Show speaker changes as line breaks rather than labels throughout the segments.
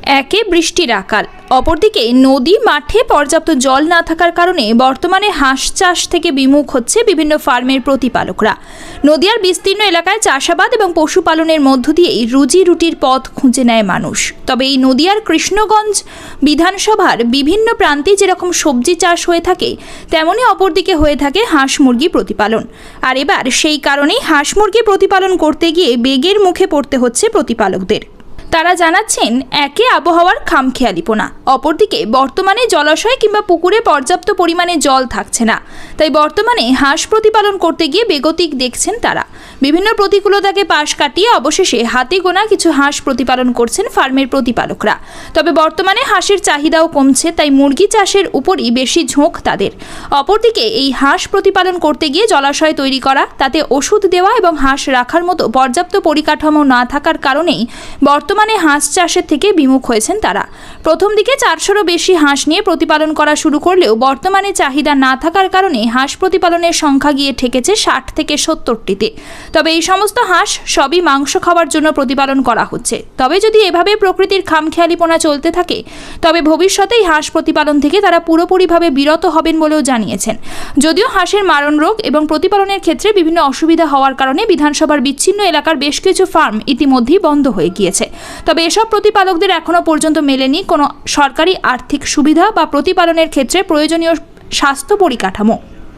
একে বৃষ্টির আকাল, অপরদিকে নদী মাঠে পর্যাপ্ত জল না থাকার কারণে বর্তমানে হাঁস চাষ থেকে বিমুখ হচ্ছে বিভিন্ন ফার্মের প্রতিপালকরা। নদীয়ার বিস্তীর্ণ এলাকায় চাষাবাদ এবং পশুপালনের মধ্য দিয়েই রুজি রুটির পথ খুঁজে নেয় মানুষ। তবে এই নদীয়ার কৃষ্ণগঞ্জ বিধানসভার বিভিন্ন প্রান্তে যেরকম সবজি চাষ হয়ে থাকে, তেমনি অপরদিকে হয়ে থাকে হাঁস মুরগি প্রতিপালন। আর এবার সেই কারণেই হাঁস মুরগি প্রতিপালন করতে গিয়ে বেগের মুখে পড়তে হচ্ছে প্রতিপালকদের। তারা জানাচ্ছেন, একে আবহাওয়ার খামখেয়ালিপনা, অপরদিকে বর্তমানে জলাশয় কিংবা পুকুরে পর্যাপ্ত পরিমাণে জল থাকছে না। তাই বর্তমানে হাঁস প্রতিপালন করতে গিয়ে বেগতিক দেখছেন তারা। বিভিন্ন প্রতিকূলতাকে পাশ কাটিয়ে অবশেষে হাতে গোনা কিছু হাঁস প্রতিপালন করছেন ফার্মের প্রতিপালকরা। তবে বর্তমানে হাঁসের চাহিদাও কমছে, তাই মুরগি চাষের উপরই বেশি ঝোঁক তাদের। অপরদিকে এই হাঁস প্রতিপালন করতে গিয়ে জলাশয় তৈরি করা, তাতে ওষুধ দেওয়া এবং হাঁস রাখার মতো পর্যাপ্ত পরিকাঠামো না থাকার কারণেই বর্তমানে হাঁস চাষের থেকে বিমুখ হয়েছেন তারা। প্রথম দিকে 400-রও বেশি হাঁস নিয়ে প্রতিপালন করা শুরু করলেও বর্তমানে চাহিদা না থাকার কারণে হাঁস প্রতিপালনের সংখ্যা গিয়ে ঠেকেছে 60 থেকে 70টিতে। তবে এই সমস্ত হাঁস সবই মাংস খাওয়ার জন্য প্রতিপালন করা হচ্ছে। তবে যদি এভাবে প্রকৃতির খামখেয়ালিপনা চলতে থাকে, তবে ভবিষ্যতেই হাঁস প্রতিপালন থেকে তারা পুরোপুরিভাবে বিরত হবেন বলেও জানিয়েছেন। যদিও হাঁসের মারণ রোগ এবং প্রতিপালনের ক্ষেত্রে বিভিন্ন অসুবিধা হওয়ার কারণে বিধানসভার বিচ্ছিন্ন এলাকার বেশ কিছু ফার্ম ইতিমধ্যেই বন্ধ হয়ে গিয়েছে। তবে এসব প্রতিপালকদের এখনও পর্যন্ত মেলেনি কোনো সরকারি আর্থিক সুবিধা বা প্রতিপালনের ক্ষেত্রে প্রয়োজনীয় স্বাস্থ্য পরিকাঠামো।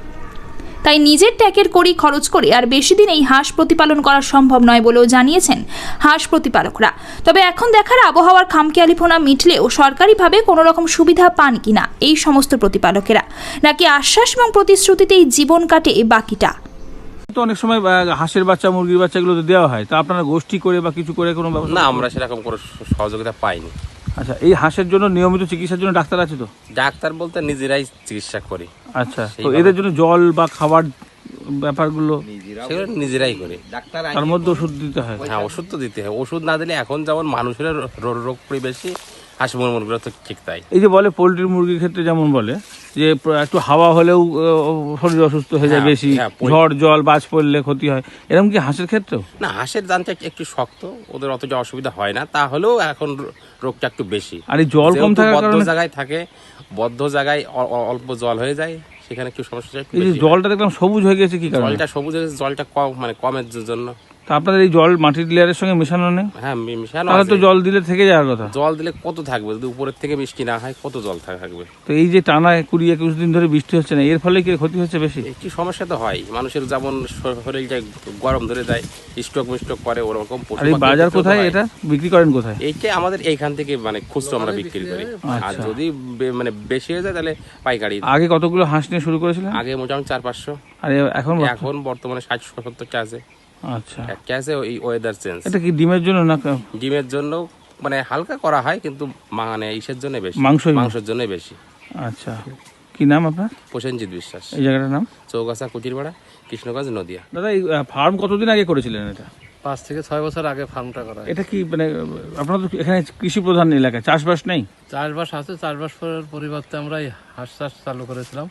তাই নিজের ট্যাকের কড়ি খরচ করে আর বেশি দিন এই হাঁস প্রতিপালন করা সম্ভব নয় বলেও জানিয়েছেন হাঁস প্রতিপালকরা। তবে এখন দেখার আবহাওয়ার খামখেয়ালিপনা মিটলেও সরকারিভাবে কোনো রকম সুবিধা পান কিনা এই সমস্ত প্রতিপালকেরা, নাকি আশ্বাস এবং প্রতিশ্রুতিতেই জীবন কাটে বাকিটা।
তো অনেক সময় হাঁসের বাচ্চা মুরগির বাচ্চাগুলো তো দেওয়া হয়, তা আপনারা গোষ্ঠী করে বা কিছু করে কোনো ব্যবস্থা?
না, আমরা সেরকম কোনো সহযোগিতা পাইনি।
আচ্ছা, এই হাঁসের জন্য নিয়মিত চিকিৎসার জন্য ডাক্তার আছে তো?
ডাক্তার বলতে নিজেরাই চিকিৎসা করি।
আচ্ছা, তো এদের জন্য জল বা খাবার ব্যাপারগুলো
সেগুলো নিজেরাই করি।
তার মধ্যে ওষুধ দিতে হয়?
হ্যাঁ, ওষুধ তো দিতে হয়। ওষুধ না দিলে এখন যেমন মানুষের রোগ বেশি, হাঁস মুরগিগুলো তো ঠিক তাই।
এই যে বলে পোলট্রি মুরগির ক্ষেত্রে যেমন বলে যে একটু হাওয়া হলেও শরীর অসুস্থ হয়ে যায় বেশি, ঝড় জল বাজ পড়লে ক্ষতি হয়, এরকম কি হাঁসের ক্ষেত্রেও?
না, হাঁসের দানটা একটু শক্ত, ওদের অতটা অসুবিধা হয় না, তাহলেও এখন রোগটা একটু বেশি।
আর এই জল কম থাকার
বদ্ধ
কারণে?
জায়গায় থাকে, বদ্ধ জায়গায় অল্প জল হয়ে যায়, সেখানে একটু সমস্যা।
এই যে জলটা দেখলাম সবুজ হয়ে গেছে, কি কারণে?
জলটা সবুজ হয়ে গেছে, জলটা কমের জন্য।
তা আপনাদের এই জল মাটির লেয়ারের সঙ্গে মেশানো নেই?
হ্যাঁ, মেশানো
তাহলে
আছে।
তো জল দিলে থেকে যাওয়ার কথা।
জল দিলে কত থাকবে, যদি উপরের থেকে বৃষ্টি না হয় কত জল থাকবে?
তো এই যে টানা 20-21 দিন ধরে বৃষ্টি হচ্ছে না, এর ফলে কি ক্ষতি হচ্ছে বেশি?
একটি সমস্যা তো হয়, মানুষের যেমন শরীরটা গরম ধরে যায়, স্ট্রোক করে, ওরকম।
আর এই বাজার কোথায়, এটা বিক্রি করেন কোথায়?
এইটা আমাদের এইখান থেকে খুচরো আমরা বিক্রি করি। আর যদি বেশি হয়ে যায় তাহলে পাইকারি।
আগে কতগুলো হাঁস নিয়ে শুরু করেছিলেন?
আগে মোটামুটি 400-500। আর এখন বর্তমানে 60-70টা আছে।
আচ্ছা,
একটা আছে ওই ওয়েদার চেঞ্জ।
এটা কি ডিমের জন্য না?
ডিমের জন্য হালকা করা হয়, কিন্তু ইসের জন্য বেশি, মাংসের জন্য বেশি।
আচ্ছা, কি নাম আপনার?
প্রসেনজিৎ বিশ্বাস।
এই জায়গাটার নাম?
চৌগাছা কুটিরপাড়া, কৃষ্ণগঞ্জ, নদিয়া।
দাদা, এই ফার্ম কতদিন আগে করেছিলেন? এটা
5 থেকে 6 বছর আগে ফার্মটা করা।
এটা কি আপনারা তো এখানে কৃষি প্রধান এলাকা, চাষবাস নেই?
চাষবাস আছে, চাষবাসের পরিবর্তে আমরা এই হাঁস চাষ চালু করেছিলাম।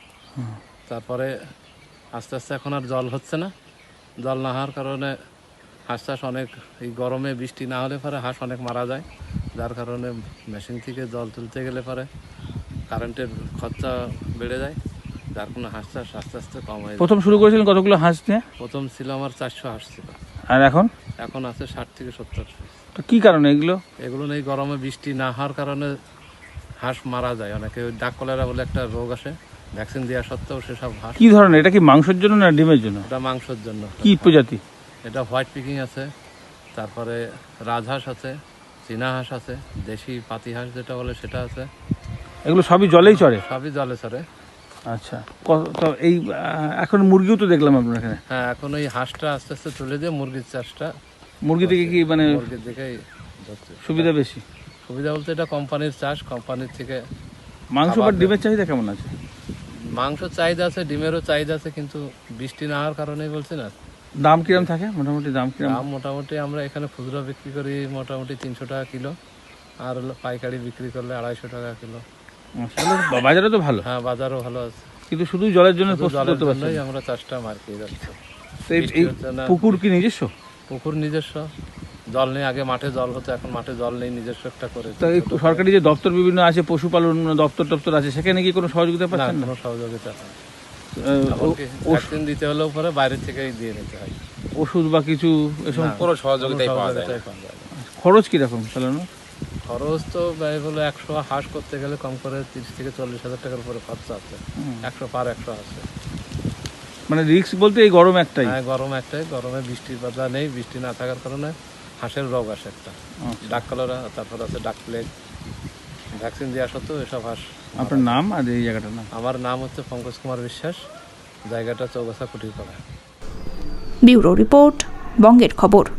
তারপরে আস্তে আস্তে এখন আর জল হচ্ছে না। জল না হওয়ার কারণে হাঁস চাষ অনেক, এই গরমে বৃষ্টি না হলে পরে হাঁস অনেক মারা যায়, যার কারণে মেশিন থেকে জল তুলতে গেলে পরে কারেন্টের খরচা বেড়ে যায়, যার কোনো হাঁস চাষ আস্তে আস্তে কম হয়ে যায়।
প্রথম শুরু করেছিলেন কতগুলো হাঁস নিয়ে?
প্রথম ছিল আমার 400 হাঁস ছিল।
আর এখন?
এখন আছে 60 থেকে 70।
তো কি কারণে
এগুলো এই গরমে বৃষ্টি না হওয়ার কারণে হাঁস মারা যায় অনেকে। ওই ডাক কলেরা বলে একটা রোগ আসে, ভ্যাকসিন দেওয়া সত্ত্বেও সেসব হাঁস।
কি ধরনের? এটা কি মাংসের জন্য না ডিমের জন্য?
এটা মাংসের জন্য।
কি প্রজাতি?
এটা হোয়াইট পিকিং আছে, তারপরে রাজহাঁস আছে, চীনা হাঁস আছে, দেশি পাতি হাঁস যেটা বলে সেটা আছে।
এগুলো সবই জলেই চড়ে?
সবই জলে চড়ে।
আচ্ছা, তো এই এখন মুরগিও তো দেখলাম আপনার এখানে।
হ্যাঁ, এখন ওই হাঁসটা আস্তে আস্তে তুলে দিয়ে মুরগির চাষটা।
মুরগি থেকে কি
মুরগির দিকেই
সুবিধা বেশি?
সুবিধা বলতে এটা কোম্পানির চাষ, কোম্পানির থেকে।
মাংস বা ডিমের চাহিদা কেমন আছে?
মাংস চাহিদা আছে, ডিমেরও চাহিদা আছে, কিন্তু বৃষ্টি না হওয়ার কারণেই বলছি না।
দাম কিরম থাকে মোটামুটি? দাম
মোটামুটি আমরা এখানে খুচরো বিক্রি করি মোটামুটি 300 টাকা কিলো, আর পাইকারি বিক্রি করলে 250 টাকা কিলো।
বাজারে তো ভালো?
হ্যাঁ, বাজারও ভালো আছে,
কিন্তু শুধু জলের জন্য
আমরা চাষটা মার্কেট যাচ্ছে।
পুকুর কি নিজস্ব?
পুকুর নিজস্ব, জল নেই, আগে মাঠে জল হতো, এখন মাঠে জল নেই, নিজস্ব একটা করে।
তা এই সরকারি যে দপ্তর বিভিন্ন আছে, পশুপালন দপ্তর আছে, সেখানে কি কোনো সহযোগিতা
না,
পাচ্ছেন না?
কোনো সহযোগিতা নেই।
ও-
ভ্যাকসিন দিতে হলেও পরে বাইরে থেকেই দিয়ে নিতে হয়।
ওষুধ বা কিছু এসব
না,
কোনো সহযোগিতাই
কোনো
পাওয়া যায় না।
সহযোগিতাই পাওয়া যায় না।
খরচ কিরকম চালানো?
খরচ তো ব্যয় হলো 100 হাঁস করতে গেলে কম করে 30 থেকে 40 হাজার টাকার উপরে খরচা আছে। 100 পার 100 আছে।
মানে রিস্ক বলতে এই গরম একটাই।
হ্যাঁ, গরম একটাই, গরমে বৃষ্টির বাধা নেই, বৃষ্টি না থাকার কারণে হাঁসের রোগ আসে একটা, ডাক কলেরা, তারপর আছে ডাক প্লেগ। ভ্যাকসিন দেওয়া সত্ত্বেও এসব হাঁস।
আপনার নাম আর এই জায়গাটার নাম?
আমার নাম হচ্ছে পঙ্কজ কুমার বিশ্বাস, জায়গাটা চৌগাছা কুটিরপাড়া।
ব্যুরো রিপোর্ট, বঙ্গের খবর।